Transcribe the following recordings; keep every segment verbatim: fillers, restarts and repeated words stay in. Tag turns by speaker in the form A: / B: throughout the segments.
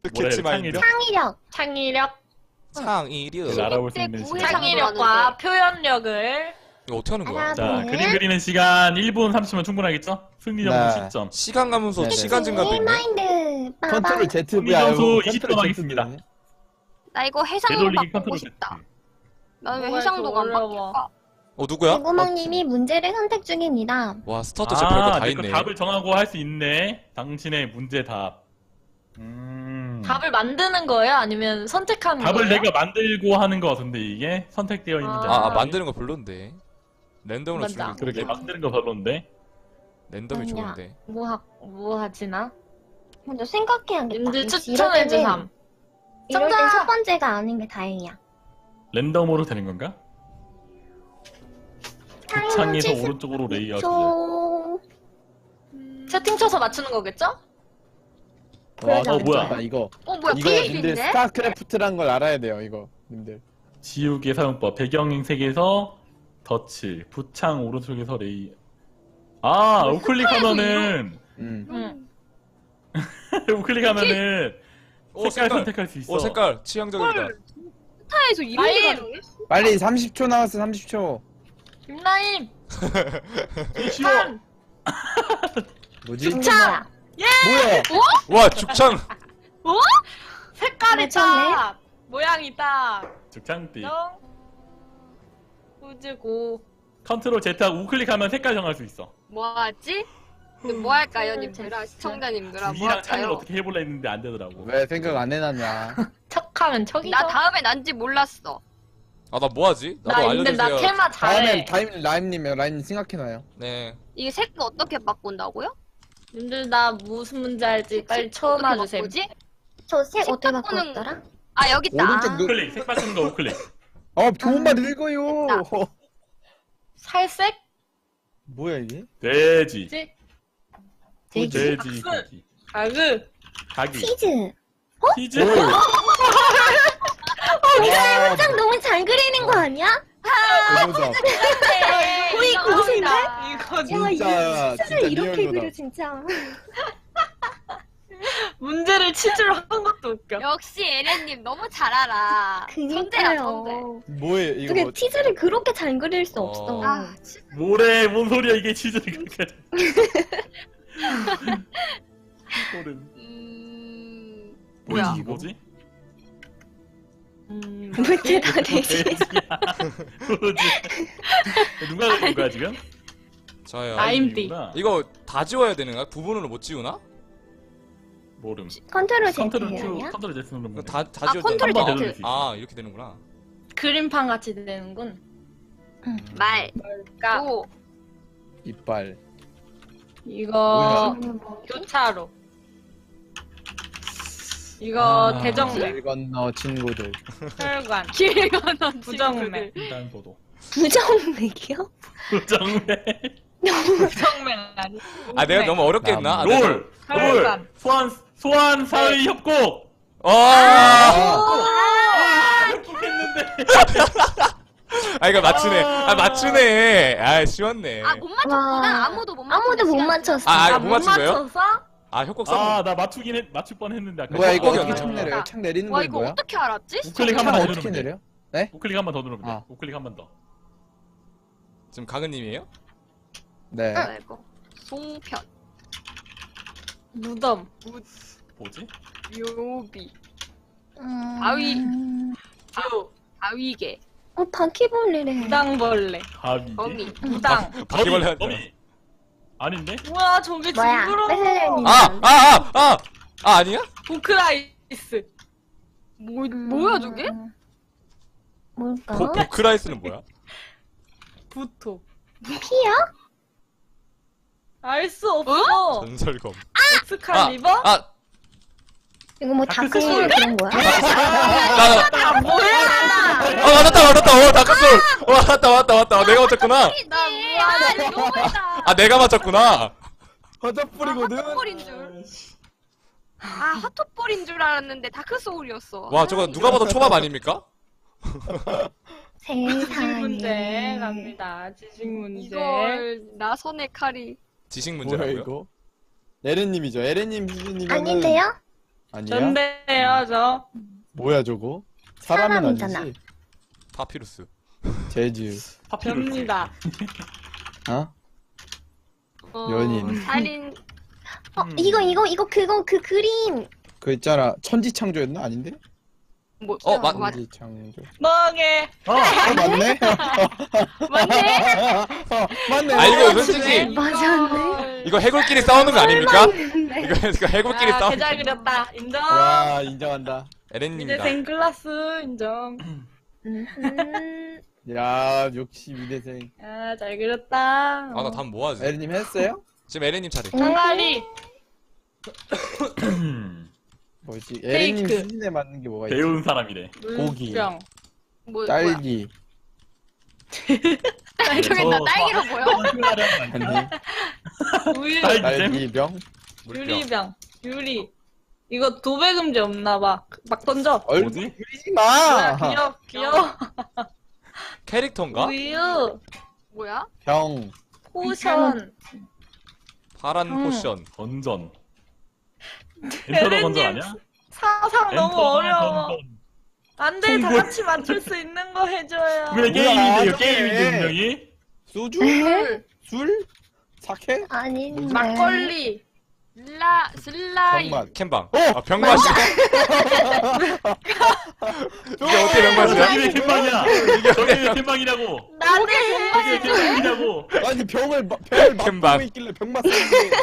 A: 캐치 마인드.
B: 창의력.
C: 창의력.
A: 창의력.
C: 알아볼 수 있는 시간. 창의력과 표현력을.
A: 이거 어떻게 하는 거야?
B: 하나,
C: 자,
B: 둘.
C: 그림 그리는 시간 일 분 삼십면 충분하겠죠? 승리 점수
D: 네.
C: 십 점.
A: 시간 가면서
D: 네네.
A: 시간 증가도 있네.
B: 마인드. 빠밤.
D: 컨트롤 Z
C: 승리
D: V야.
C: 점수
D: 이거
C: 이십 점
D: 컨트롤
C: 하겠습니다.
D: Z V네.
E: 나 이거 해상도
C: 되돌리기
E: 바꾸고
C: 컨트롤
E: 싶다.
C: Z.
E: 난 왜
C: 뭐가
E: 해상도가 안
C: 이렇게 어려워.
E: 바뀔까?
A: 어 누구야?
B: 대구멍님이 문제를 선택 중입니다.
A: 와 스타트 제 별거 다
C: 내
A: 있네.
C: 거 답을 정하고 할 수 있네. 당신의 문제 답. 음.
F: 답을 만드는 거예요? 아니면 선택하는
C: 답을
F: 거예요?
C: 내가 만들고 하는 거 같은데 이게 선택되어 있는 게
F: 아,
A: 아,
C: 아니라.
A: 아 만드는 거 별론데. 랜덤으로
F: 맞아.
A: 주는 게
C: 그러게
A: 좋은데.
C: 만드는 거 별론데.
A: 랜덤이
B: 아니야.
A: 좋은데.
F: 뭐, 하, 뭐 하지나?
B: 먼저 생각해야겠다.
F: 님들
B: 이럴
F: 추천해주삼.
B: 때는- 이럴 땐
F: 정답!
B: 첫 번째가 아닌 게 다행이야.
C: 랜덤으로 되는 건가? 창에서
B: 칠십
C: 오른쪽으로 레이아웃.
B: 초.
F: 채팅 쳐서 맞추는 거겠죠?
D: 와,
B: 그러지
C: 어, 뭐야.
D: 진짜 이거
E: 어 뭐야
D: 이거 님들
E: 피에이치인데?
D: 스타크래프트란 걸 알아야 돼요. 이거 님들.
C: 지우개 사용법. 배경색에서 덧칠. 부창 오른쪽에서 레이. 아, 우클릭하면은
D: 음.
F: 응.
C: 우클릭하면은
A: 오
C: 색깔
A: 색깔.
C: 선택할 수 있어.
A: 오 색깔 취향적이다.
E: 스타에서 이런 게
F: 라임!
E: 가능해?
D: 빨리 삼십 초 나왔어. 삼십 초.
F: 김나임!
C: 쉬워.
D: 뭐지?
B: 이게 뭐야?
D: 뭐야?
A: 와 죽창.
F: 색깔이
B: 맞췄네.
F: 딱! 모양이 딱!
C: 죽창띠.
F: 정. 후즈고.
C: 컨트롤 Z하고 우클릭하면 색깔 정할 수 있어.
E: 뭐하지? 뭐 할까요 님들아 시청자님들아 뭐
C: 줄이랑 창을
E: 할까요?
C: 어떻게 해볼라 했는데 안 되더라고.
D: 왜 생각 안 해놨냐?
F: 척하면 척이죠?
E: 나 다음에 난지 몰랐어.
A: 아 나 뭐하지? 나도
F: 나 근데 나
A: 알려주세요.
F: 테마
D: 다음엔
F: 잘해.
D: 타임 라임님이요. 라임 생각해놔요.
A: 네.
E: 이게 색 어떻게 바꾼다고요?
F: 님들 나 무슨 문제 알지 빨리 처음
E: 어떻게
F: 와주세요.
E: 바꾸지?
B: 저 색
E: 색
B: 어떻게
E: 바꾸는
B: 바꿨더라?
E: 아 여기 있다.
D: 오른쪽 누-
C: 우클릭. 색 바꾸는 거 우클릭.
D: 어 좋은 말 읽어요.
F: 살색?
D: 뭐야 이게?
C: 돼지.
F: 지?
C: 돼지.
F: 박스.
C: 고기.
F: 가그.
C: 닭이.
B: 치즈.
C: 치즈.
D: 오. 와,
B: 짱 너무 잘 그리는 거 아니야?
D: 대보자.
B: 거의 고수인데?
F: 이거
D: 진짜
B: 야,
D: 진짜
B: 치즈를 이렇게
D: 리얼로다.
B: 그려 진짜.
F: 문제를 치즈로 한 것도 웃겨.
E: 역시 에렌님 너무 잘 알아. 천재야 천재.
B: 그니까요.
D: 뭐예요 이거?
B: 어떻게
D: 뭐-
B: 치즈를 그렇게 잘 그릴 수
A: 어.
B: 없어.
E: 아 진짜.
C: 뭐래? 뭔 소리야 이게 치즈를 그렇게. 소름.
E: 음
C: 뭐야
E: 뭐야?
C: 이거 뭐지?
F: 음,
B: 문제 다 내지.
C: 돼지야. 뭐지? 누가 그린 거야 지금?
A: 저요.
F: 라임띠.
C: 아이구나.
A: 이거 다 지워야 되는 거야? 부분으로 못 지우나?
C: 모름.
B: 컨트롤
C: 컨트롤
B: Z예요,
C: Q,
B: 아니야?
C: 컨트롤 Z 누르면
A: 이거
C: 돼.
A: 다, 다
E: 아,
A: 지워야
E: 컨트롤
A: 되나?
C: 한번
E: Z.
C: 되돌릴 수 있어.
A: 아 이렇게 되는구나.
F: 그림판 같이 되는군.
E: 말.
F: 그러니까
E: 오.
D: 이빨.
F: 이거
B: 이거 뭐-
F: 교차로. 이거
C: 아.
F: 대정맥,
D: 길 건너 친구들.
F: 혈관,
E: 길 건너
F: 부정맥,
C: 횡단보도.
B: 부정맥이요?
C: 부정맥.
F: 부정맥 아니.
A: 아 내가 너무 어렵게 했나? 아, 내가 너무-
C: 롤.
F: 혈관.
C: 롤. 소환 소환 사의 협곡.
A: 어.
C: 아, 협곡했는데.
A: 아 이거 맞추네. 아 맞추네. 아 쉬웠네.
E: 아 못 맞췄구나.
B: 와.
E: 아무도 못 맞췄.
B: 아무도 못 맞췄어.
A: 아,
F: 아,
A: 이거
F: 못
A: 못 맞춘 거예요?
F: 맞춰서?
A: 아 협곡 써.
C: 아, 나 맞추긴 했, 맞출 뻔했는데 아까.
D: 뭐야 이거
A: 협곡이
D: 어떻게
A: 어디야?
D: 창 내려요? 창 내리는
E: 와
D: 건
E: 이거
D: 뭐야?
E: 어떻게 알았지?
C: 우클릭
D: 창
C: 한 번 더
D: 어떻게
C: 누르면 돼.
D: 내려?
C: 우클릭 한 번 더 누르면 돼.
D: 아.
C: 우클릭 한 번 더.
A: 지금 가근님이에요?
D: 네.
E: 뭐야 이거? 송편.
F: 무덤,
C: 뭐지?
E: 묘비.
B: 음...
E: 바위.
F: 뷰,
E: 바위개.
B: 어, 바퀴벌레래.
F: 무당벌레,
C: 가위.
E: 거미.
F: 무당.
A: 바퀴벌레 하지
C: 거미. 아닌데?
F: 우와 저게
B: 뭐야?
F: 징그러워.
B: 뺏으려니.
A: 아! 아! 아! 아! 아 아니야?
F: 보크라이스.
E: 뭐 뭐야 저게?
B: 음, 뭘까?
A: 보, 보크라이스는 뭐야?
F: 부토.
B: 피야?
F: 알 수 없어.
A: 전설검.
F: 엑스칼리버?
A: 아!
B: 이거 뭐
C: 다크
B: 다크소울
C: 소울.
B: 그런 거야?
A: 나, 나,
F: 아 뭐야?
A: 아 맞았다 맞았다. 어 다크솔. 와 맞다 맞다 맞다. 어, 내가 맞췄구나.
F: 나 뭐야?
E: 너무했다.
A: 아 내가 맞췄구나.
D: 허접불이거든.
E: 핫토볼인 줄. 아 핫토볼인 줄 알았는데 다크 소울이었어.
A: 와 저거 누가 봐도 초밥 아닙니까?
F: 지식
B: 세상에.
F: 문제 갑니다. 지식 문제.
E: 이걸 나선의 칼이.
A: 지식
D: 뭐야
A: 문제라고요?
D: 이거? 에렌님이죠. 에렌님 수준이면
B: 아닌데요?
D: 아니야?
F: 전데요 저.
D: 뭐야 저거? 사람은
B: 사람이잖아.
D: 아니지?
A: 파피루스.
D: 재즈.
C: 파피루스.
F: 접니다.
D: 어?
E: 어,
D: 연인.
E: 살인.
B: 어
C: 음.
B: 이거 이거 이거 그거 그 그림.
D: 그 있잖아 천지창조였나? 아닌데?
E: 뭐?
A: 어, 맞-
E: 맞.
D: 천지창조.
F: 멍해.
C: 어,
D: 어 맞네?
E: 맞네.
D: 어, 맞네.
A: 아, 이거
F: 네.
A: 솔직히
B: 맞았네.
A: 이거 해골끼리 싸우는 거 아닙니까?
B: 있는데.
A: 이거, 이거 해골끼리
F: 아,
A: 싸우는
F: 개잘
A: 거.
F: 그렸다. 인정.
D: 와 인정한다.
A: 에렌님이다.
F: 미대생 클라스 인정.
B: 음.
D: 야 역시 미대생.
F: 아, 잘 그렸다.
A: 아, 나 다음 뭐 하지?
D: 에리님 했어요?
A: 지금 에렌님 차례.
F: 항아리.
D: 뭐지? 에리님
F: 케이크.
D: 수준에 맞는 게 뭐가 있지?
C: 배운 사람이래.
D: 고기.
F: 물병.
E: 뭐 뭐야?
D: 딸기.
E: 저기다
C: 저-
E: 딸기로 보여?
D: 아니
F: 우유.
C: 딸기.
D: 딸기병.
A: 물병.
F: 유리병. 유리. 이거 도배금지 없나봐. 막 던져.
D: 얼굴
C: 뭐지?
D: 그리지 마.
F: 귀여워, 귀여워.
A: 캐릭터인가?
F: 우유.
E: 뭐야?
D: 병.
F: 포션.
A: 파란
F: 음.
A: 포션.
C: 던전. 엔터더 던전 아니야?
F: 상상 너무
C: 엔터더
F: 어려워.
C: 던전.
F: 안 돼, 다
C: 통보.
F: 같이 맞출 수 있는 거 해줘요.
C: 왜
D: 뭐야,
C: 게임인데 이거
D: 저게.
C: 게임인데 분명히?
D: 소주?
B: 술?
D: 술? 사케?
B: 아닌데.
F: 막걸리.
E: 슬라 슬라이.
D: 정맛.
A: 캔방.
D: 어!
A: 아, 병맛이. 이게 어떻게 병맛이야?
C: 저기 왜 캔방이야? 저기 왜 캔방이냐고?
F: 나는
C: 저기 왜 캔방이냐고?
D: 아니 병을 마- 병을
A: 캔방.
D: 막고 있길래 병 맞았는데.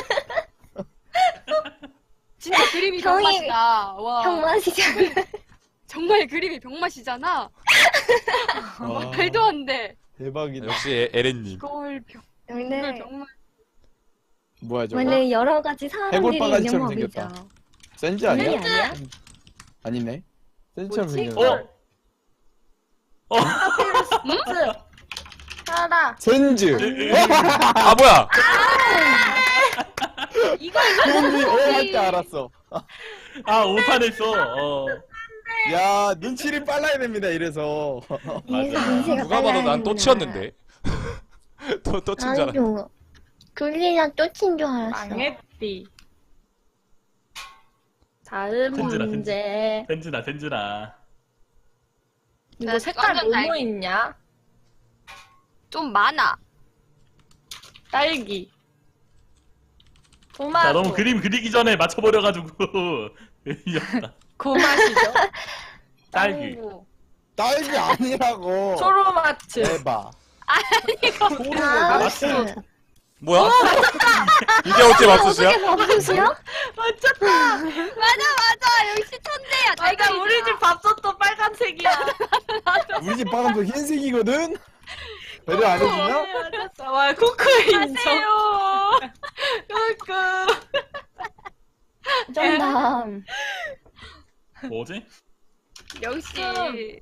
E: 진짜 그림이
B: 병이-
E: 병맛이다. 와.
B: 병맛이잖아.
E: 정말 그림이 병맛이잖아.
D: 와,
E: 말도 안 돼.
D: 대박이다.
A: 역시 에- 에렌님.
E: 이걸 병 이걸
B: 원래
E: 병맛.
D: 뭐야 저거?
B: 원래 여러 가지 사람들이 있는
D: 해골바가지처럼
B: 법이죠.
D: 생겼다. 센즈 아니야?
B: 아니 아니야?
D: 아니네. 센즈처럼
F: 뭐지?
D: 생겼네.
C: 어? 어?
F: 하나.
D: 센즈.
A: 아, 뭐야?
F: 이거
D: 센즈 어할줄 알았어.
C: 아 오탄 했어. 어.
D: 야 눈치를 빨라야 됩니다. 이래서.
B: 이래서
C: 맞아.
B: 문제가
A: 누가 봐도 난 또
B: 빨라야
A: 치였는데. 또, 또 친 줄 알아.
B: 아니죠. 글리랑 또친 줄 알았어.
F: 망했디. 다음
C: 든지라,
F: 문제.
C: 덴즈나 덴즈나.
F: 이거
E: 나
F: 색깔
E: 완전
F: 뭐뭐
E: 딸기.
F: 있냐?
E: 좀 많아.
F: 딸기. 토마토.
C: 자 너무 그림 그리기 전에 맞춰버려가지고 이겼다.
F: 그 맛이죠.
C: 딸기.
F: 망고.
D: 딸기 아니라고.
F: 초로마츠.
D: 대박.
B: 나우스.
A: 뭐야? 이게 어떻게 맞추시야?
B: 어떻게 밥솥이야?
F: 맞췄다.
E: 맞아 맞아. 역시 천재야.
F: 맞아, 우리 집 밥솥도 빨간색이야.
D: 우리 집 방금도 흰색이거든. 배려 안 해주냐?
F: 맞았어. 와, 쿠쿠 인정. 쿠쿠.
B: 정답.
C: 뭐지?
E: 역시.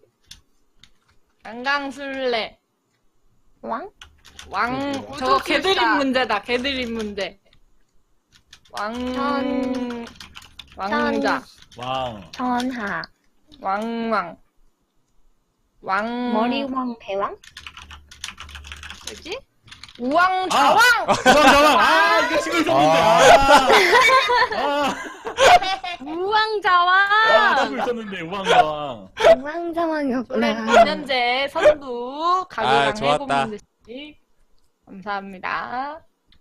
F: 강강술래.
B: 왕?
F: 왕.
D: 그거
F: 저거
E: 우주술사.
F: 개드립 문제다. 개드립 문제. 왕.
B: 전-
F: 왕자.
C: 왕.
B: 전하.
F: 왕왕. 왕.
B: 머리왕 배왕?
E: 뭐지?
F: 우왕 좌왕.
C: 자왕 자왕. 아 이거 치고 있었는데. 아. 아.
E: 우왕좌왕.
C: 아 치고 있었는데 우왕 자왕.
B: 왕자왕이었구나.
F: 올해 이년제 선두
A: 아,
F: 가교당
A: 좋았다.
F: 일곱 문제씩. 감사합니다.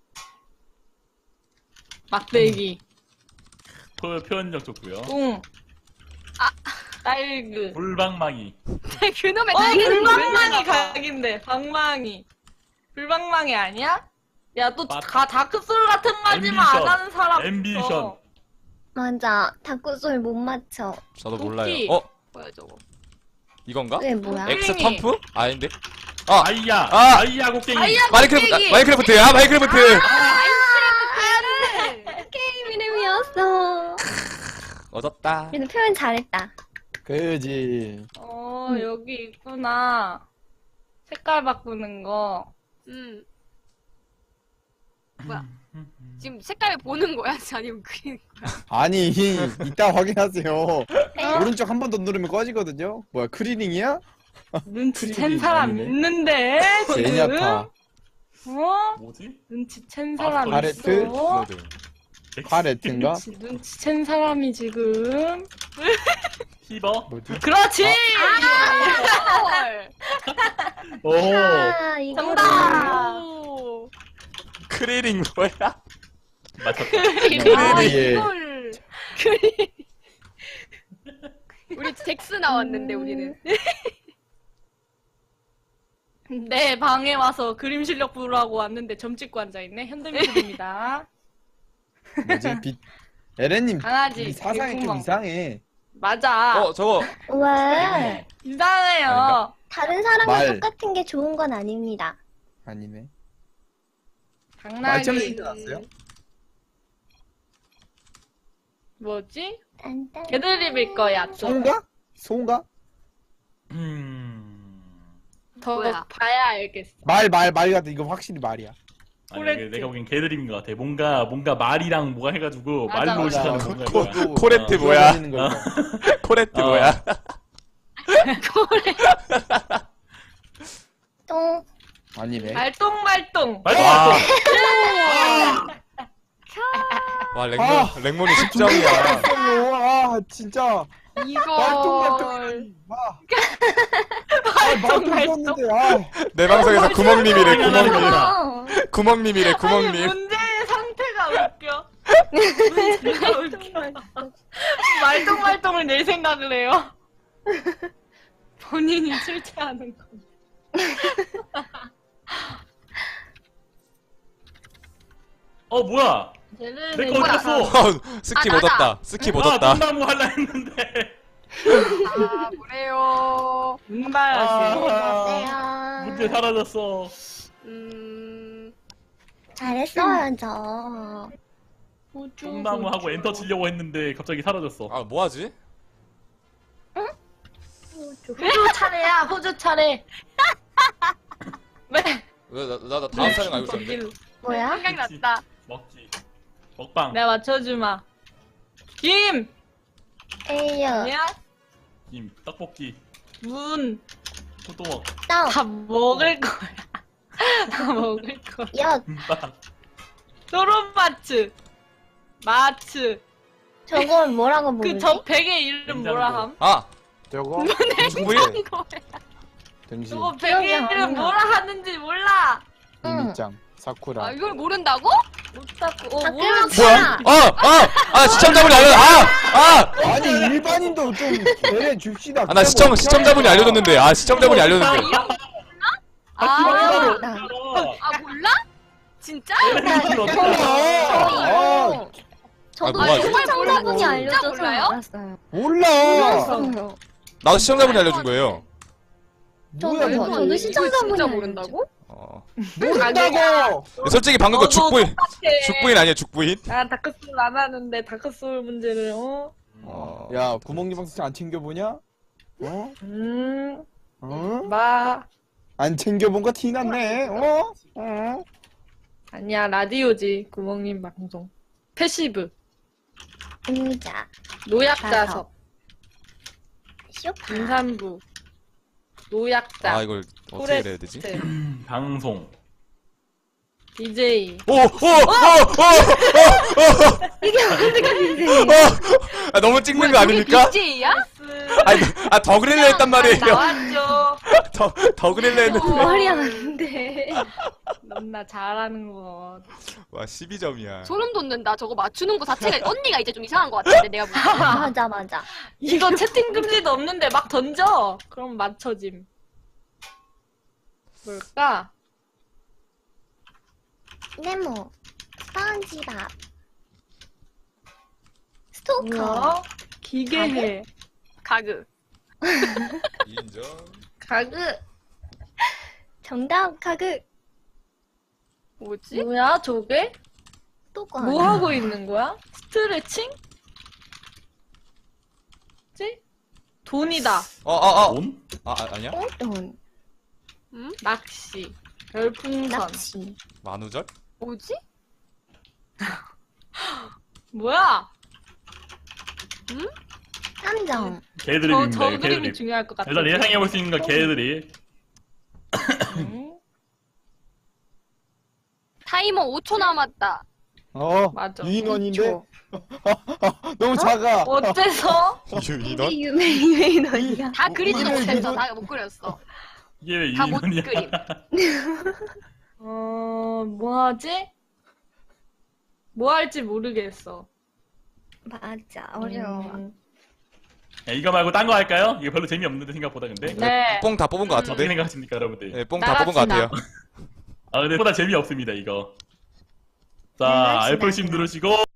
F: 막대기.
C: 표, 표현력 좋고요.
F: 웅.
E: 아.
F: 딸그.
C: 불방망이.
E: 그놈의
F: 어,
E: 딸기는 왜
F: 불방망이
E: 나와?
F: 각인데. 방망이. 불방망이 아니야? 야, 또
C: 맞-
F: 가 다크솔 같은 거 하지만 안
C: 앰비션.
F: 하는 사람.
C: 앰비션.
F: 없어.
B: 맞아. 다크솔 못 맞춰.
A: 저도
F: 도끼.
A: 몰라요. 어?
E: 뭐야 저거?
A: 이건가?
B: 왜 뭐야?
F: 엑-
A: 엑스
F: 땡이.
A: 텀프? 아닌데? 아!
C: 아이야.
A: 아!
C: 아이야 곡괭이.
E: 아이야
A: 마이크래프트!
E: 곡괭이!
A: 아, 마이크래프트! 아, 마이크래프트!
B: 게임 이름이었어.
A: 얻었다.
B: 그래도 표현 잘했다.
D: 그지.
F: 어,
B: 음.
F: 여기 있구나. 색깔 바꾸는 거.
E: 음. 뭐야? 지금 색깔 보는 거야? 아니면 그린 거야?
D: 아니 이따 확인하세요. 오른쪽 한 번 더 누르면 꺼지거든요. 뭐야 크리닝이야?
F: 눈치챈
D: 크림이
F: 사람
D: 아니네.
F: 있는데, 지금?
D: 제냐타.
F: 어?
C: 뭐지?
F: 눈치챈
C: 아,
F: 사람
D: 바레트?
F: 있어?
A: 모드.
D: 파레트인가?
F: 눈치, 눈치챈 사람이 지금.
C: 히버.
D: 뭐지?
F: 그렇지!
E: 헐.
C: 오.
B: 아, 이거.
F: 정답!
E: 오.
A: 크리링 뭐야?
C: 맞췄다.
E: 아,
D: 크리리.
E: 이걸. 우리 잭스 나왔는데 우리는.
F: 내 방에 와서 그림 실력 보라고 왔는데 점 찍고 앉아있네. 현대미술입니다.
D: 뭐지? 빛. 에렌님
F: 강아지.
D: 이 사상이 좀
F: 개구멍.
D: 이상해.
F: 맞아.
A: 어 저거
B: 왜?
F: 이상해요.
A: 아닌가?
B: 다른 사람과
D: 말.
B: 똑같은 게 좋은 건 아닙니다.
D: 아니네.
F: 당나귀.
D: 말처럼 얘기 나왔어요?
F: 뭐지?
B: 딴딴.
F: 개드립일 거야. 좀.
D: 소인가? 소인가?
C: 음.
F: 더
E: 뭐야?
F: 봐야 알겠어.
D: 말 말 말 같은 이거 확실히 말이야.
C: 아니,
F: 코레트.
C: 이게 내가 보기엔 개드립인 것 같아. 뭔가 뭔가 말이랑 뭐가 해가지고
F: 맞아,
C: 말로
F: 맞아.
C: 시작하는
A: 코-
C: 뭔가.
A: 코-
C: 거야.
A: 코레트
C: 어.
A: 뭐야?
D: 기어다니는 거 이거.
A: 코레트
C: 어.
A: 뭐야?
B: 똥.
D: 아니네.
F: 말똥말똥.
C: 말도
A: 와,
C: 안
A: 와 랭몬
D: 아.
A: 랭몬이 십 점이야.
D: 아 진짜
E: 이거.
D: 말똥말똥. 아. 아 말똥 썼는데 아.
A: 내 방송에서 구멍님이래 구멍님.
B: 어.
A: 구멍님이래
F: 아니
A: 구멍님.
F: 문제의 상태가 웃겨. 문제가 웃겨. 말똥말똥을 낼 생각을 해요. 본인이 출제하는 거.
C: 어 뭐야?
F: 쟤는
C: 내 거 어디 갔어?
A: 어, 스킵
E: 아,
A: 얻었다. 스킵
C: 아,
A: 얻었다.
C: 돈나무 할라 했는데.
E: 아, 그래요.
F: 문발하시.
D: 아.
C: 문제
B: 안녕하세요.
C: 사라졌어.
E: 음.
B: 잘했어요, 저.
C: 똥나무 하고 엔터 치려고 했는데 갑자기 사라졌어.
A: 아 뭐하지?
F: 호주 차례야, 호주 차례. 왜?
A: 왜나나 나 다음 사람 알고 있었는데.
B: 뭐야?
E: 생각났다.
C: 먹지. 먹방.
F: 내가 맞춰주마. 김!
B: 에이요.
F: 아니야?
C: 김, 떡볶이,
F: 문.
C: 호떡,
B: 땅.
F: 다 먹을 거야. 다 먹을 거야.
B: 엿.
C: 김밥.
F: 소론마츠. 마츠.
B: 저걸 뭐라고
F: 그
B: 부르지?
F: 저 베개 이름 뭐라 함?
A: 아
D: 저거
A: 중부인?
D: 등신
F: 저거
B: 기억이
F: 베개
B: 안
F: 이름
B: 나.
F: 뭐라 하는지 몰라.
B: 응.
D: 이미짱 사쿠라.
E: 아, 이걸 모른다고?
F: 못 잡고. 어,
B: 다
F: 몰라.
B: 끌었잖아.
A: 뭐야? 아아아 시청자분이 알려. 아아
D: 아니 일반인도 좀 내려 줍시다.
A: 아, 나 시청 시청자분이 알려줬는데. 아 시청자분이 알려줬는데.
E: 아,
C: 아,
B: 나.
E: 아 몰라? 진짜?
D: 아,
B: 저도
A: 아, 뭐하지?
B: 시청자분이
E: 진짜
B: 알려줘서
E: 몰라요?
B: 알았어요.
D: 몰라.
B: 몰랐어요.
A: 나도 시청자분이 알려준 거예요.
B: 저도
D: 뭐야
B: 저-
D: 이거?
B: 저도
E: 이거
B: 시청자분이
E: 진짜
B: 알려줘.
E: 모른다고?
A: 어.
D: 모른다고.
A: 솔직히 방금 거 죽부인 죽부인 아니에요 죽부인?
F: 나 다크소울 안 하는데 다크소울 문제를 어?
A: 어.
D: 야 구멍님 방송 안 챙겨보냐? 어?
F: 음.
D: 어?
F: 마.
D: 안 챙겨본 거 티났네. 어? 어?
F: 아니야 라디오지 구멍님 방송. 패시브.
B: 의자.
F: 노약자석.
B: 쇼파.
F: 임산부. 노약자.
A: 아 이걸 어떻게 해야 되지?
C: 방송.
F: 디제이.
A: 오오오오오오
B: 이게 어떻게 되지?
A: 아, 너무 찍는 거 아닙니까?
E: 비제이야?
A: 아니 아 더 그릴려 했단 말이에요.
F: 나왔죠.
A: 더 더 그릴려 했는데.
B: 머리 안 돼.
F: 너무나 잘하는 거.
A: 와 십이 점이야.
E: 소름 돋는다. 저거 맞추는 거 자체가 언니가 이제 좀 이상한 것 같은데 내가 보기엔.
B: 맞아, 맞아.
F: 이거 채팅 금지도 없는데 막 던져. 그럼 맞춰짐. 뭘까?
B: 네모. 스펀지밥. 스토커.
F: 뭐야? 기계해.
E: 가그.
A: 인정.
F: 가그.
B: 정답 가그.
E: 뭐지?
F: 뭐야 저게?
B: 스토커.
F: 뭐 하고 있는 거야? 스트레칭? 지? 돈이다.
A: 어어어.
C: 돈?
A: 아, 아 아니야?
B: 똥돈.
F: 낚시. 별풍선.
B: 납치.
A: 만우절?
E: 뭐지?
F: 뭐야?
B: 삼점.
F: 저,
C: 개드립입니다.
F: 저
C: 이거
F: 그림이
C: 개드립.
F: 중요할 것 같아.
C: 일단 예상해볼 수 있는 건 개드립.
F: 응?
E: 타이머 오 초 남았다.
D: 어
F: 맞아.
D: 유인원인데 너무 작아.
F: 어째서?
A: 유인원?
B: 이게 유메 유메인원이야.
E: 다 그리지도
D: 이거를
E: 못했어.
D: 유도-
E: 다 못 그렸어.
C: 이게 왜
E: 다 못
C: 유인원이야?
E: 그림.
F: 어, 뭐 하지? 뭐 할지 모르겠어.
B: 맞아 어려워.
F: 음,
C: 야, 이거 말고 딴 거 할까요? 이거 별로 재미없는데 생각보다 근데.
F: 네.
A: 뽕 다 뽑은 것
C: 어떻게
A: 같은데?
C: 생각하십니까 여러분들?
A: 네, 뽕 다 뽑은 것
F: 나갑시다.
A: 같아요.
C: 아 근데 보다 재미없습니다 이거. 자
B: 나갑시다,
C: 알프심
B: 그냥.
C: 누르시고